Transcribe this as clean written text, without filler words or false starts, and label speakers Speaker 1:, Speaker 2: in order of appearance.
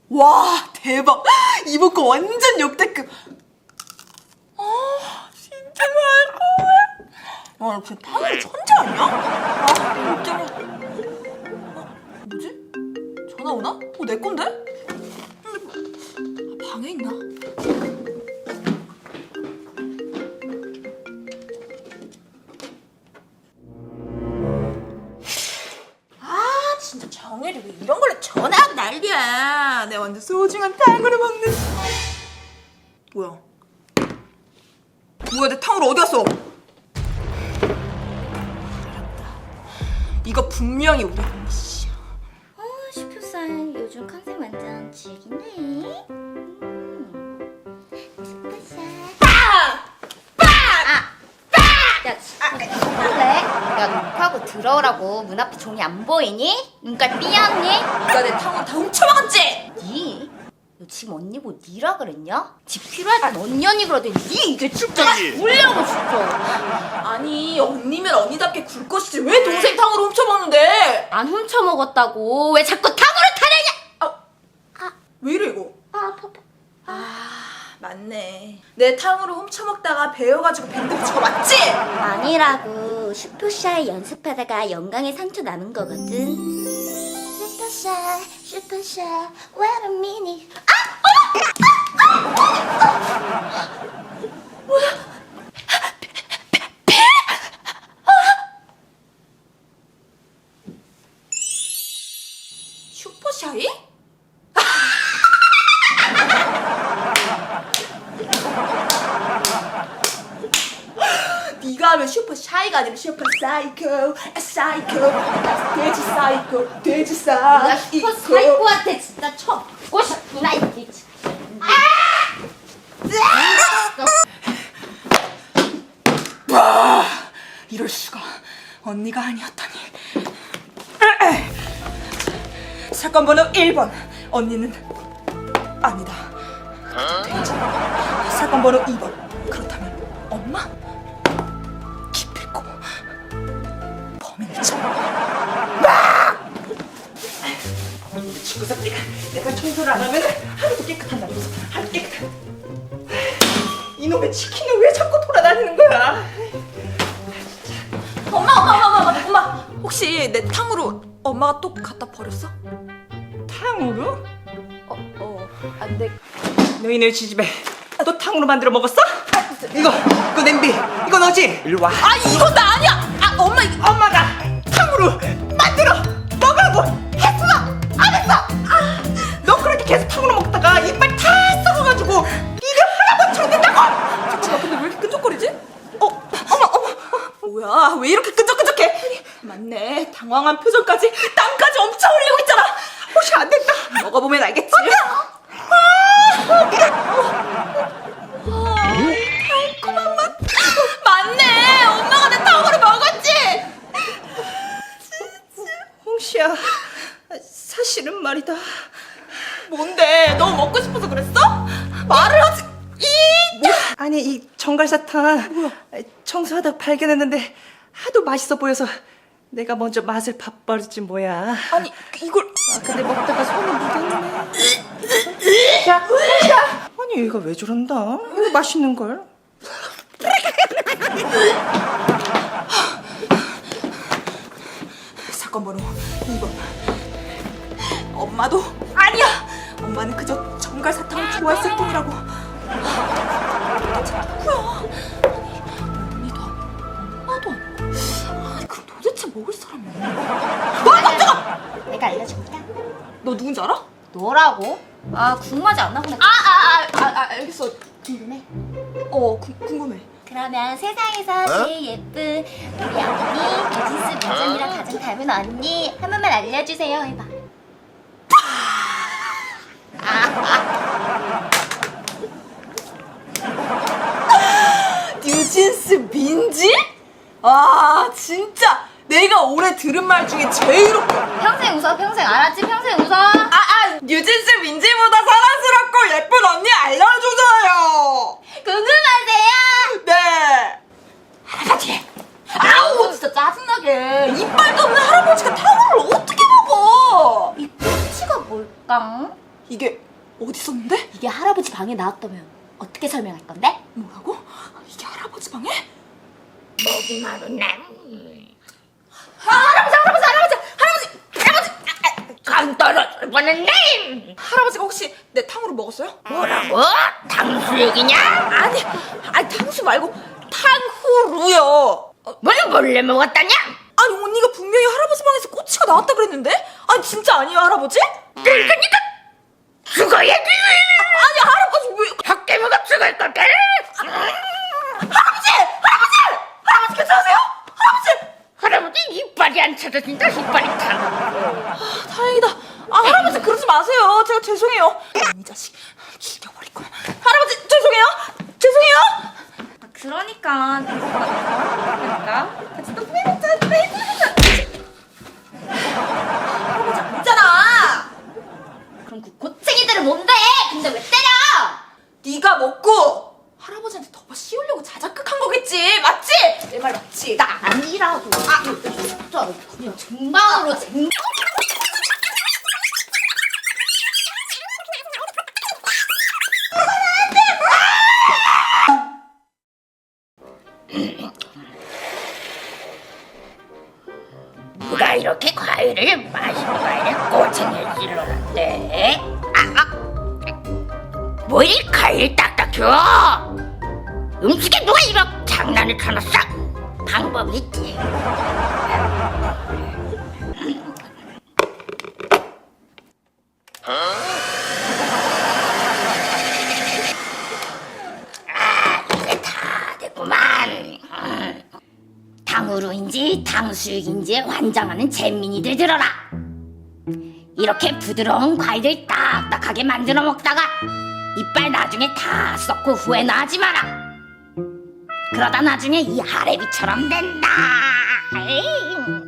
Speaker 1: 와, 대박. 이번 거 완전 역대급. 진짜 맛있어. 와, 역시 탕후루 천재 아니야? 아, 어쩌면. 뭐지? 전화 오나? 내 건데? 방에 있나? 진짜 정혜리 왜 이런 걸로 전화하고 난리야. 내 완전 소중한 탕후루 먹는. 뭐야? 뭐야, 내 탕후루 어디 갔어? 이거 분명히 우리 언니 씨야.
Speaker 2: 슈퍼사이 요즘 컨셉 완전 죽이네. 야, 야, 녹화하고 들어오라고. 문 앞에 종이 안 보이니? 눈깔 삐었니?
Speaker 1: 네가 내 탕후루 다 훔쳐먹었지?
Speaker 2: 니? 너 지금 언니 뭐 니라 그랬냐? 집 필요할 땐 언니 그러더니 니 이게 진짜 울려고 진짜.
Speaker 1: 아니, 언니면 언니답게 굴 것이지 왜 동생 탕후루 훔쳐먹는데?
Speaker 2: 안 훔쳐먹었다고. 왜 자꾸 탕후루 타려냐?
Speaker 1: 왜 이래 이거?
Speaker 2: 아파.
Speaker 1: 맞네. 내 탕후루 훔쳐먹다가 배워가지고 밴드 붙이고 맞지?
Speaker 2: 아니라고. 슈퍼샤이 연습하다가 영광에 상처 남은 거거든. 슈퍼샤이, wait a minute.
Speaker 1: 슈퍼샤이? 네가 하면 슈퍼샤이가 아니라 슈퍼사이코, 사이코, 돼지 사이코, 돼지
Speaker 2: 내가
Speaker 1: 사이코.
Speaker 2: 슈퍼사이코한테 진짜 쳐보고 싶구나 이게.
Speaker 1: 와, 이럴 수가. 언니가 아니었다니. 사건 번호 1번. 언니는 아니다. 돼지. 사건 번호 2번. 그렇다면 엄마? 기필코 범인을 찾아. 친구 새끼가 내가 청소를 안 하면 하루도 깨끗한다면서. 하루 깨끗한. 이놈의 치킨은 왜 자꾸 돌아다니는 거야? 엄마, 혹시 내 탕후루 엄마가 또 갖다 버렸어? 탕후루?
Speaker 2: 안 돼.
Speaker 1: 너희네 지집에 너 탕후루 만들어 먹었어? 이거 냄비, 이거 너지? 일로 와. 이건 나 아니야. 엄마가 탕후루 만들어 먹으라고 했어. 안 했어? 너 그렇게 계속 탕후루 먹다가 이빨 다 썩어가지고 입에 할아버지처럼 된다고. 잠깐만, 근데 왜 이렇게 끈적거리지? 어머, 뭐야? 왜 이렇게 끈적끈적해? 맞네, 당황한 표정까지 땀까지 엄청 흘리고 있잖아. 혹시 안 됐다. 먹어보면 알겠지. 달콤한 맛. 맞네, 엄마가 내 탕후루 먹었지. 홍시야, 사실은 말이다. 뭔데? 너무 먹고 싶어서 그랬어? 말을 하지.
Speaker 3: 아니, 이 정갈사탕 청소하다 발견했는데 하도 맛있어 보여서 내가 먼저 맛을 봐버렸지 뭐야.
Speaker 1: 아니, 이걸.
Speaker 3: 근데 먹다가 손에 묻었네. 아니, 얘가 왜 저런다? 이거 맛있는 걸.
Speaker 1: 사건 번호 2번. 엄마도 아니야. 엄마는 그저 정갈사탕을 좋아했을 뿐이라고. 도대체 누구야? 아니, 언니도 아니고 엄마도 아니고. 아니, 그럼 도대체 먹을 사람이 없나? 깜짝아!
Speaker 2: 내가 알려줄까?
Speaker 1: 너 누군지 알아?
Speaker 2: 너라고? 궁금하지 않나 보네.
Speaker 1: 알겠어.
Speaker 2: 궁금해.
Speaker 1: 궁금해.
Speaker 2: 그러면 세상에서 제일 예쁜 우리 언니 베지스 민정이랑 가장 닮은 언니 한 번만 알려주세요 해봐.
Speaker 1: 뉴진스 민지? 진짜 내가 올해 들은 말 중에 제일 웃겨.
Speaker 2: 평생 웃어. 평생 알았지? 평생 웃어.
Speaker 1: 뉴진스 민지보다 사랑스럽고 예쁜 언니 알려주세요.
Speaker 2: 궁금하세요?
Speaker 1: 네. 할아버지. 아우, 진짜 짜증나게. 이빨도 없는 할아버지가 탕후루를 어떻게 먹어?
Speaker 2: 이 꼬치가 뭘까?
Speaker 4: 이게 어디 있었는데?
Speaker 2: 이게 할아버지 방에 나왔다면 어떻게 설명할 건데?
Speaker 4: 뭐라고? 이게 할아버지 방에?
Speaker 2: 먹이 마른 남. 강 떨어질 뻔했네.
Speaker 4: 할아버지가 혹시 내 탕후루 먹었어요?
Speaker 2: 뭐라고? 탕수육이냐?
Speaker 4: 아니 탕수 말고 탕후루요.
Speaker 2: 뭘 몰래 먹었다냐?
Speaker 4: 아니 언니가 분명히 할아버지 방에서 꼬치가 나왔다 그랬는데? 아니 진짜 아니에요 할아버지?
Speaker 2: 그러니까 죽어야지.
Speaker 4: 아니 할아버지 왜?
Speaker 2: 밖에 먹어 죽을 거게.
Speaker 4: 할아버지 괜찮으세요?
Speaker 2: 할아버지 이빨이 안 찾아진다. 이빨이 타.
Speaker 4: 다행이다. 할아버지 그러지 마세요. 제가 죄송해요. 이 자식 죽여버릴 거야. 할아버지 죄송해요.
Speaker 2: 그러니까
Speaker 4: 같이 또 후회했잖아. 할아버지 아니잖아.
Speaker 2: 그럼 그 고챙이들은 뭔데? 근데 왜 때려?
Speaker 4: 네가 먹고 할아버지한테 덮어 씌우려고 자작극한 거겠지. 맞지? 내 말 맞지?
Speaker 2: 나 아니라고. 진짜 그냥 정방으로 쟁. 누가 이렇게 과일을 마시고 가야 꼬챙이를 찔러놨대? 뭐 이 과일 딱딱혀? 음식에 누가 이런 장난을 쳐놨어? 방법이 있지. 이제 다 됐구만. 탕후루인지 탕수육인지 환장하는 잼민이들 들어라. 이렇게 부드러운 과일을 딱딱하게 만들어 먹다가 이빨 나중에 다 썩고 후회나 하지 마라. 그러다 나중에 이 하레비처럼 된다. 에이.